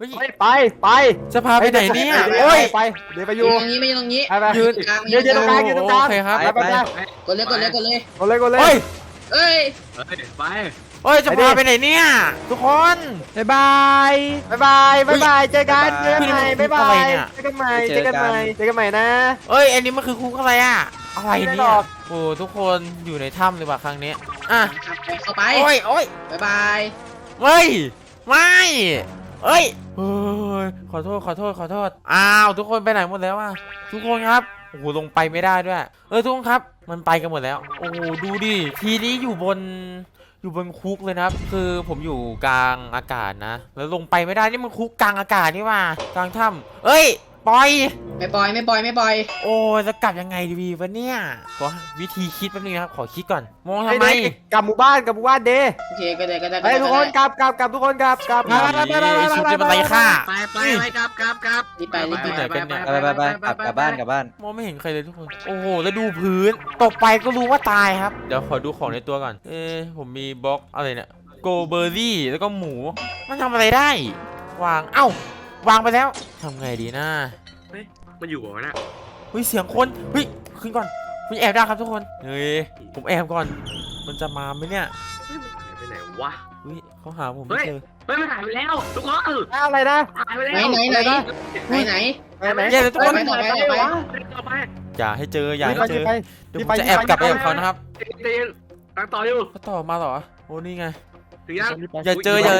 ไปจะพาไปไหนเนี่ยโอ้โอ้ยยไปเดี๋ยวไปอยืยู่นตรงนี้ไม่ยืนตรงนี้ไปยืนยืนตรงกลางยืนตรงกลางโอเคครับไปกดเลยกดเลยกดเลยกดเลยโอ้ยเอ้ยไปโอ้ยจะพาไปไหนเนี่ยทุกคนบ๊ายบายบายเจอกันใหม่บ๊ายบายเจอกันใหม่นะเอ้ยอันนี้มันคือคุกอะไรอะอะไรไม่ได้หรเนี่ยอกโอ้ทุกคนอยู่ในถ้ำเลยว่ะครั้งนี้อ่ะเข้าไปโอ้ยโอ้ยบ๊ายบายเฮ้ยไม่เอ้ยเฮ้ยขอโทษอ้าวทุกคนไปไหนหมดแล้วอะทุกคนครับโอ้โหลงไปไม่ได้ด้วยทุกคนครับมันไปกันหมดแล้วโอ้โหดูดิทีนี้อยู่บนคุกเลยนะครับคือผมอยู่กลางอากาศนะแล้วลงไปไม่ได้นี่มันคุกกลางอากาศนี่ว่ากลางถ้ำเอ้ยปล่อยไม่ปล่อยโอ้ยจะกลับยังไงดีวะเนี่ยขอวิธีคิดแป๊บนึงนะครับขอคิดก่อนมองทำไมกลับหมู่บ้านเดโอเคก็ได้เฮ้ยทุกคนกลับทุกคนกลับชุดจะมาไล่ฆ่าไปกลับรีบไปไปกลับบ้านมองไม่เห็นใครเลยทุกคนโอ้โหแล้วดูพื้นตกไปก็รู้ว่าตายครับเดี๋ยวขอดูของในตัวก่อนผมมีบล็อกอะไรเนี่ยโกเบอร์รี่แล้วก็หมูมันทำอะไรได้วางวางไปแล้วทำไงดีนะมันอยู่หัวน่ะเฮ้ยเสียงคนเฮ้ยขึ้นก่อนคุณแอบได้ครับทุกคนเฮ้ยผมแอบก่อนมันจะมาไหมเนี่ยไปไหนวะเฮ้ยเขาหาผมไม่เจอมันหายไปแล้วทุกคนอะไรนะหายไปแล้วไหนแย่เลยทุกคนต่อไปอย่าให้เจออย่าให้เจอไปเดี๋ยวผมจะแอบกลับไปกับเขานะครับตีนตั้งต่ออยู่เขาต่อมาเหรอโอ้นี่ไงถึงยังอย่าเจอยัง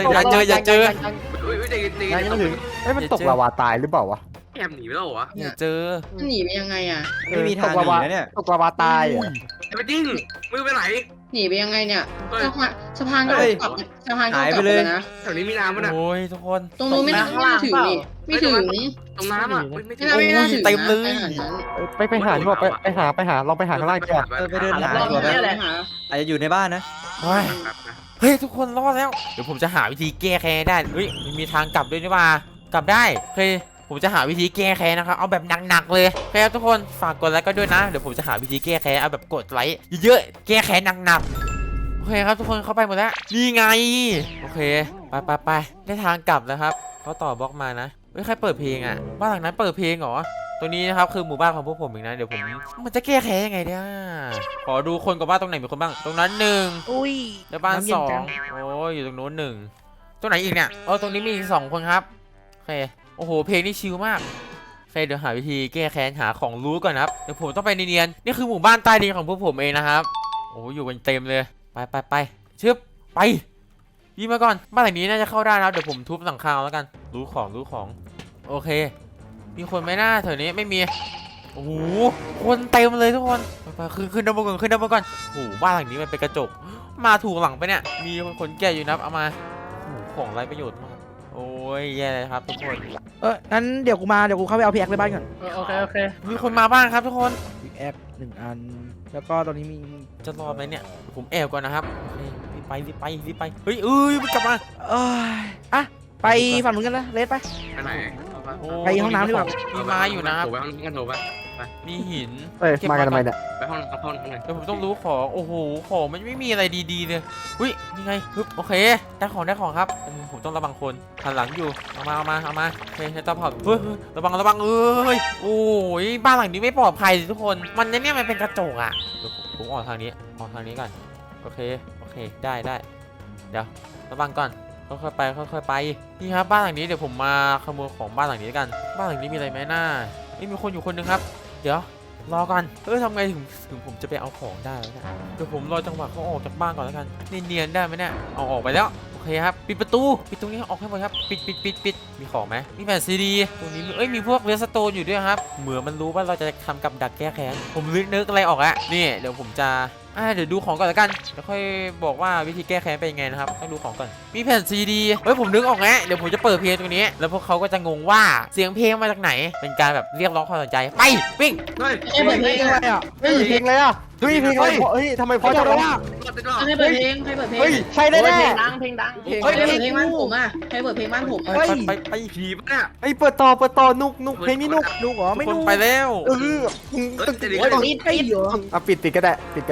ไม่ถึงมันตกลาวาตายหรือเปล่าวะแอบหนีไปแล้วเหรออย่าเจอหนีไปยังไงอ่ะไม่มีทางหนีนะเนี่ยตกลาวาตายไปจริงมือไปไหนหนีไปยังไงเนี่ยสะพานก็กลับสะพานก็กลับเลยนะแถวนี้มีน้ำมั้ยนะโอ้ยทุกคนตรงนู้นไม่น่าถึงนี่ไม่ถึงตรงน้ำอ่ะไม่ถึงไม่น่าถึงเต็มเลยไปหาดีกว่าไปหาลองไปหาข้างล่างดีกว่าไปเดินหารอบดีกว่านี้แหละอาจจะอยู่ในบ้านนะเฮ้ยทุกคนรอดแล้วเดี๋ยวผมจะหาวิธีแก้แค้นได้เฮ้ยมีทางกลับด้วยนี่ว่ากลับได้โอเคผมจะหาวิธีแก้แค้นนะครับเอาแบบหนักๆเลยโอเคครับทุกคนฝากกดไลค์ก็ด้วยนะเดี๋ยวผมจะหาวิธีแก้แค้นเอาแบบกดไลค์เยอะๆแก้แค้นหนักๆโอเคครับทุกคนเข้าไปหมดแล้วนี่ไงโอเคไปได้ทางกลับแล้วครับเขาต่อบล็อกมานะเฮ้ยใครเปิดเพลงอ่ะบ้านหลังนั้นเปิดเพลงเหรอตัวนี้นะครับคือหมู่บ้านของพวกผมเองนะเดี๋ยวผมมันจะแก้แค้นยังไงเนี่ยขอดูคนกับบ้านตรงไหนมีคนบ้างตรงนั้น1 อุ้ยแล้วบ้าน2โอ้ยอยู่ตรงโน้น1ตรงไหนอีกเนี่ยตรงนี้มีอีก2คนครับโอเคโอ้โหเพลงนี่ชิลมากโอเคเดี๋ยวหาวิธีแก้แค้นหาของรู้ก่อนนะครับเดี๋ยวผมต้องไปเนียนๆนี่คือหมู่บ้านใต้ดินของพวกผมเองนะครับโอ้อยู่กันเต็มเลยไปชึบไปยิงมาก่อนบ้านหลังนี้น่าจะเข้าได้นะเดี๋ยวผมทุบหลังคาแล้วกันรู้ของโอเคมีคนไหมหน้าแถวนี้ไม่มีโอ้โหคนเต็มเลยทุกคนไปขึ้นด้านบนก่อนโอ้โหบ้านหลังนี้มันเป็นกระจกมาถูกหลังไปเนี่ยมีคนแก่อยู่นะเอามาโอ้โหของไร้ประโยชน์มากโอ้ยแย่เลยครับทุกคนงั้นเดี๋ยวกูเข้าไปเอาพีแอคในบ้านก่อนโอเคมีคนมาบ้างครับทุกคนพีแอค1 อันแล้วก็ตอนนี้มีจะรอดไหมเนี่ยผมแอบก่อนนะครับรีบไปเฮ้ยมันกลับมาไปฝั่งนู้นกันนะเลสไปไปไหนไปห้องน้ำดีกว่ามีไม้อยู่นะครับโถไปห้องกันโถไปมีหินมากันทำไมเนี่ยไปห้องไหนเดี๋ยวผมต้องรู้ของโอ้โหของมันไม่มีอะไรดีๆเลยอุ้ยนี่ไงปึ๊บโอเคได้ของครับผมต้องระวังคนหันหลังอยู่เอามาโอเคใช้ตะเผาเฮ้ยระวังโอ้ยบ้านหลังนี้ไม่ปลอดภัยทุกคนมันเนี่ยมันเป็นกระจกอ่ะเดี๋ยวผมออกทางนี้ก่อนโอเคได้เดี๋ยวระวังก่อนค่อยๆไปนี่ครับบ้านหลังนี้เดี๋ยวผมมาขโมยของบ้านหลังนี้กันบ้านหลังนี้มีอะไรไหมหน้ามีคนอยู่คนนึงครับเดี๋ยวรอก่อนทำไงถึงผมจะไปเอาของได้แล้วเนี่ยเดี๋ยวผมรอจังหวะเขาออกจากบ้านก่อนแล้วกันเนียนได้ไหมเนี่ยเอาออกไปแล้วโอเคครับปิดประตูปิดตรงนี้ออกให้หมดครับปิดมีของไหมมีแผ่นซีดีตรงนี้มีพวกเรสโตนอยู่ด้วยครับเหมือนมันรู้ว่าเราจะทำกับดักแก้แค้นผมนึกอะไรออกแล้วนี่เดี๋ยวผมจะเดี๋ยวดูของก่อนแล้วกันแล้วค่อยบอกว่าวิธีแก้แค้นเป็นยังไงนะครับต้องดูของก่อนมีแผ่นซีดีผมนึกออกแล้วเดี๋ยวผมจะเปิดเพลงตรงนี้แล้วพวกเขาก็จะงงว่าเสียงเพลงมาจากไหนเป็นการแบบเรียกร้องความสนใจไปวิ่งเฮ้ยให้เปิดเพลงอะไรอ่ะเฮ้ยเพลงอะไรอ่ะเฮ้ยเพลงอะไรเฮ้ยทำไมพอจะร้องให้เปิดเพลงเฮ้ยใช่แน่เพลงดังใครเปิดเพลงบ้านผมอ่ะใครเปิดเพลงบ้านผมไปผีปะเนี่ยไอ้เปิดต่อนุกเพลงนี้นุกลูกเหรอไม่คนลูกไปแล้วเออปิดให้เหรอปิดก็ได้เ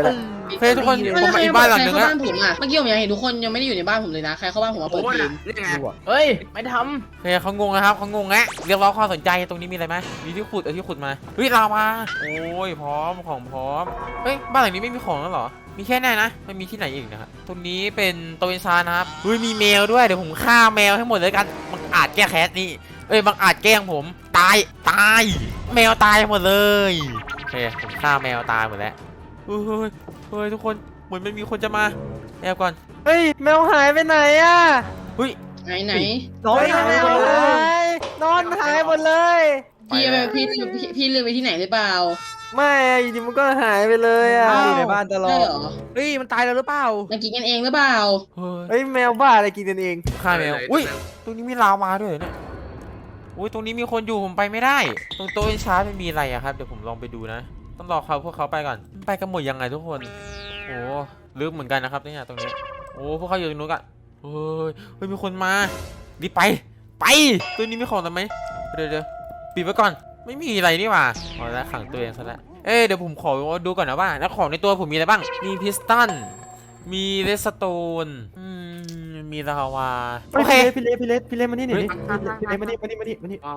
เฮ้ยทุกคนผมมาอีกบ้านหลังหนึ่งใครแล้วเข้าบ้านผมอ่ะเมื่อกี้ผมยังเห็นทุกคนยังไม่ได้อยู่ในบ้านผมเลยนะใครเข้าบ้านผมมาโอ้เปิดโหเพลงนี่ไงเฮ้ยไม่ทเฮ้ยเขางงนะครับเขางงแงะเรียกร้องความสนใจตรงนี้มีอะไรไหมมีที่ขุดที่ขุดมาเฮ้ยลาวาโอ้ยพร้อมของพร้อมเฮ้ยบ้านหลังนี้ไม่มีของแล้วเหรอมีแค่นี้นะไม่มีที่ไหนอีกนะครับตรงนี้เป็นโตเอนซานะครับเฮ้ยมีแมวด้วยเดี๋ยวผมฆ่าแมวให้หมดเลยกันมันอาจแก้แค้นนี่เอ้ยบางอาจแกล้งผมตายแมวตายหมดเลยโอเคผมฆ่าแมวตายหมดแล้วเฮ้ยทุกคนเหมือนมันมีคนจะมาแอบก่อนเฮ้ยแมวหายไปไหนอ่ะเฮ้ยไหนำน้อยหายหมดเลยนอนหายหมดเลยพี่ลืมไปที่ไหนหรือเปล่าไม่อะอยู่ดีมันก็หายไปเลยอ่ะอยู่ในบ้านตลอใช่ดเหรอเฮ้ยมันตายแล้วหรือเปล่ามันกินกันเองหรือเปล่าเฮ้ยเฮ้ยแมวบ้าอะไรกินกันเองฆ่าแมวอุ้ยตรงนี้มีลาวาด้วยเหรอเนี่ยอุ้ยตรงนี้มีคนอยู่ผมไปไม่ได้ ตรงโต๊ะเอ็นชาร์ไม่มีอะไรอะครับเดี๋ยวผมลองไปดูนะต้องรอพวกเขาไปก่อนไปกันหมดยังไงทุกคนโอ้ลึกเหมือนกันนะครับเนี่ยตรงนี้โอ้พวกเขาอยู่ตรงนู้นกันเฮ้ยมีคนมารีบไปตัวนี้มีของทำไหมเดี๋ยวปิดไว้ก่อนไม่มีอะไรนี่หว่าเอาละขังตัวเองซะแล้วเดี๋ยวผมขอดูก่อนนะว่าแล้วของในตัวผมมีอะไรบ้างมีพิสตันมีเรสโตนมีลาวาโอเคพี่เล็กมานี่หน่อยดิพี่เล็กมานี่ว้าว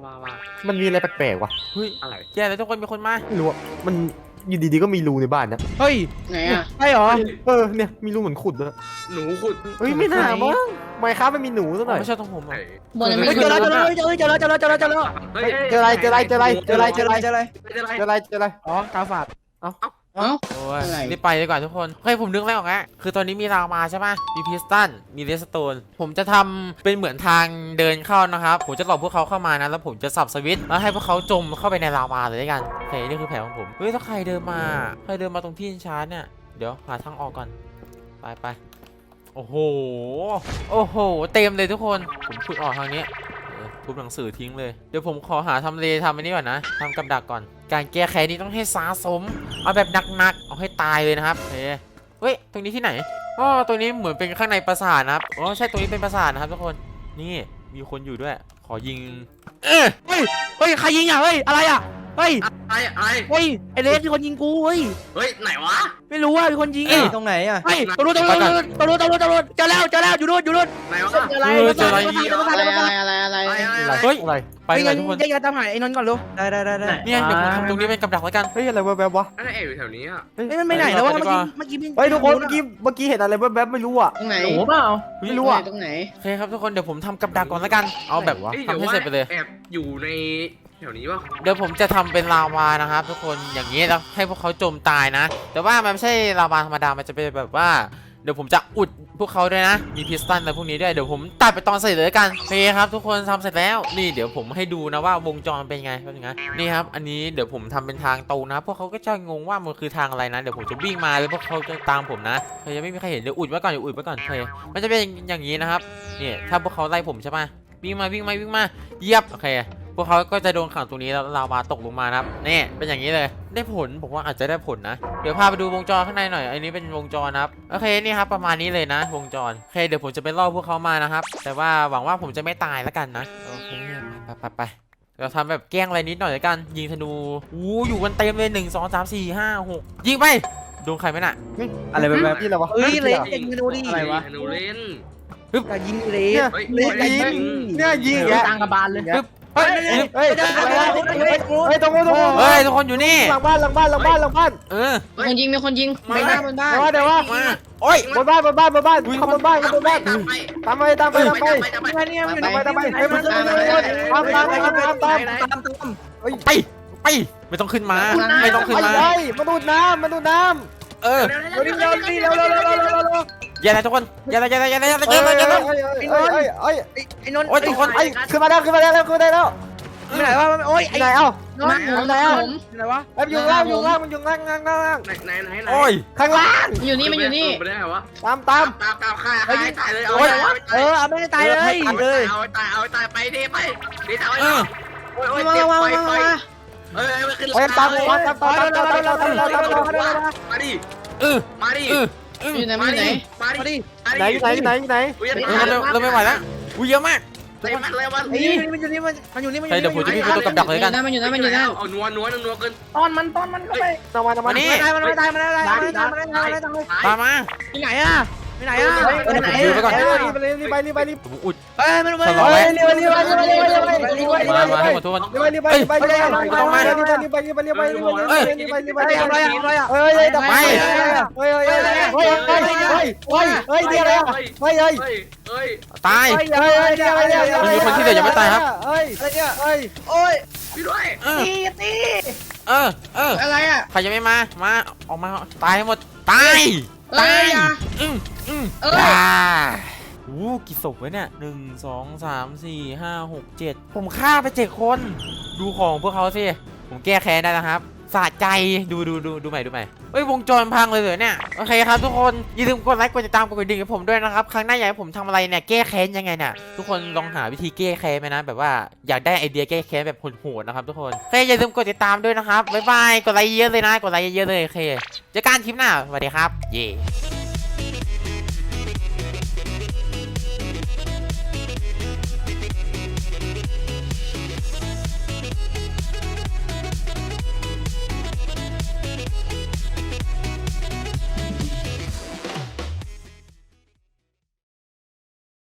มันมีอะไรแปลกๆวะเฮ้ยอะไรแย่แล้วทุกคนมีคนมาไม่รู้อะมันอยู่ดีๆก็มีรูในบ้านนะเฮ้ยไหนอ่ะใช่เหรอเนี่ยมีรูเหมือนขุดด้วยหนูขุดเฮ้ยไม่น่ามั้งไม่ครับมันมีหนูซะหน่อยไม่ใช่ตรงผมหรอบนนั้นเฮ้ไม่ยเจอแล้วเจอแล้วเจอแล้วเจอแล้วเจอแล้วเจอแล้วเฮ้ยเจออะไรอะไรอ๋อกาฝาดเอ้าโอ้ยอะไรรีบไปดีกว่าทุกคนเฮ้ยผมนึกแล้วไงคือตอนนี้มีราวมาใช่ไหมมีพิสตันมีเรสโตนผมจะทำเป็นเหมือนทางเดินเข้านะครับผมจะหลอกพวกเขาเข้ามานะแล้วผมจะสับสวิตช์แล้วให้พวกเขาจมเข้าไปในราวาเลยด้วยกันโอเคนี่คือแผนของผมเฮ้ยถ้าใครเดินมาตรงที่ชาร์จเนี่ยเดี๋ยวหาทางออกก่อนไปโอ้โหเต็มเลยทุกคนผมขุดออกทางนี้ทุบหนังสือทิ้งเลยเดี๋ยวผมขอหาทำเลทำอันนี้ก่อนนะทำกับดักก่อนการแก้แค้นนี้ต้องให้สาสมเอาแบบหนักๆเอาให้ตายเลยนะครับเฮ้ยตรงนี้ที่ไหนอ๋อตรงนี้เหมือนเป็นข้างในปราสาทนะครับอ๋อใช่ตรงนี้เป็นปราสาทนะครับทุกคนนี่มีคนอยู่ด้วยขอยิงเฮ้ยใครยิงอ่ะเฮ้ยอะไรอ่ะเฮ้ยอะไรเฮ้ยไอเลสมีคนยิงกูเฮ้ยเฮ้ยไหนวะไม่รู้ว่ามีคนยิงตรงไหนอ่ะเฮ้ยตำรวจเจอแล้วอยู่นู่นไหนวะเจออะไรอะไรเฮ้ยอะไรไปดีกว่าทุกคนแยกตามหาไอ้นนท์ก่อนลูกได้เนี่ยเดี๋ยวผมทำตรงนี้เป็นกับดักแล้วกันเฮ้ยอะไรแวบๆวะอะไรอยู่แถวนี้อ่ะเฮ้ยมันไปไหนแล้ววะเมื่อกี้เฮ้ยทุกคนเมื่อกี้เห็นอะไรแวบๆไม่รู้อ่ะตรงไหนโอ้เปล่าไม่รู้อ่ะตรงไหนโอเคครับทุกคนเดี๋ยวผมทำกับดักก่อนแล้วกันเอาแบบทำให้เสร็จไปเลยแอบอยู่ในแถวนี้ป่ะเดี๋ยวผมจะทำเป็นลาวานะครับทุกคนอย่างนี้แล้วให้พวกเขาจมตายนะแต่ว่ามันไม่ใช่ลาวาธรรมดามันจะเป็นแบบว่าเดี๋ยวผมจะอุดพวกเขาด้วยนะมีพิสตันอะไรพวกนี้ด้วยเดี๋ยวผมตัดไปตอนเสร็จเลยกันโอเคครับทุกคนทำเสร็จแล้วนี่เดี๋ยวผมให้ดูนะว่าวงจรเป็นไงนี่ครับอันนี้เดี๋ยวผมทำเป็นทางตรงนะพวกเขาก็จะงงว่ามันคือทางอะไรนะเดี๋ยวผมจะวิ่งมาแล้วพวกเขาจะตามผมนะเฮ้ยยังไม่มีใครเห็นเดี๋ยวอุดไว้ก่อนโอเคมันจะเป็นอย่างนี้นะครับนี่ถ้าพวกเขาไล่ผมใช่ไหมวิ่งมาเยียบโอเคพวกเขาก็จะโดนขังตรงนี้แล้วลาวาตกลงมานะครับนี่เป็นอย่างนี้เลยได้ผลผมว่าอาจจะได้ผลนะเดี๋ยวพาไปดูวงจรข้างในหน่อยอันนี้เป็นวงจรนะครับโอเคนี่ครับประมาณนี้เลยนะวงจรโอเคเดี๋ยวผมจะไปล่อพวกเขามานะครับแต่ว่าหวังว่าผมจะไม่ตายแล้วกันนะโอเคไปเราทำแบบแกล้งอะไรนิดหน่อยแล้วกันยิงธนูอยู่กันเต็มเลย1 2 3 4 5 6ยิงไปโดนใครไหมน่ะอะไรแบบนี้เหรอวะเฮ้ยเลสยิงดูดิอะไรวะหนูเล่นแต่ยิงเลสเนี่ยยิงแกกลางกระบาลเลยเฮ้ยเฮ้ยตรงนู้นเฮ้ยทุกคนอยู่นี่หลังบ้านมีคนยิงไปหน้าบนบ้านเดี๋ยวว่ามาโอ้ยบนบ้านเข้าบนบ้านตามไปตามไปเนี่ยมันอยู่ตามไปเฮ้ยมันตามไปไม่ต้องขึ้นมาไม่ต้องขึ้นมามาดูดน้ำเอย่าเลยทุกคนอย่าเลยไอ้นนท์โอ้ยทุกคนขึ้นมาแล้วขึ้นได้แล้วไหนวะโอ้ยไอ้ไหนเอ้าไหนวะอยู่ล่างมันอยู่ล่างไหนโอ้ยข้างล่างอยู่นี่มันอยู่นี่ไม่ได้เหรอวะตามตามฆ่าตายเลยเอาเอาไม่ได้ตายเลยเอาตายไปดิเอาโอ้ยไปขึ้นตามมาดิอยู่ไหนไหนเราไม่ไหวแล้วเยอะมากเลยมันมันอยู่นี่มันอยู่นี่เฮ้ยเดี๋ยวผมจะมีประตูกับดักเลยกันมันอยู่นั่นเอานัวเกินตอนมันเข้าไปนำมานี่มันไม่ได้ตามมาที่ไหนอ่ะไปไหนอ่ะรีบผมอุดเอ้ยมันสลอไว้รีบมาให้หมดทุกคนไปเฮ้ยเดี๋ยวอะไรอ่ะเฮ้ยตาย มีคนที่เหลือยังไม่ตายครับเฮ้ยอะไรเนี่ยเฮ้ยโอ้ยพี่ด้วยอะไรอ่ะใครยังไม่มาออกมาตายให้หมดตายกี่ศพวะเนี่ย1 2 3 4 5 6 7ผมฆ่าไป7คนดูของพวกเขาสิผมแก้แค้นได้แล้วครับสะใจดูใหม่เฮ้ยวงจรพังเลยเหรอเนี่ยโอเคครับทุกคนอย่าลืมกดไลค์กดติดตามกดกระดิ่งให้ผมด้วยนะครับครั้งหน้าอยากให้ผมทำอะไรเนี่ยแก้แค้นยังไงเนี่ยทุกคนลองหาวิธีแก้แค้นไหมนะแบบว่าอยากได้ไอเดียแก้แค้นแบบโหดๆนะครับทุกคนโอเคอย่าลืมกดติดตามด้วยนะครับบ๊ายบายกดไลค์เยอะเลยนะกดไลค์เยอะเลยโอเคเจอกันคลิปหน้าสวัสดีครับเย่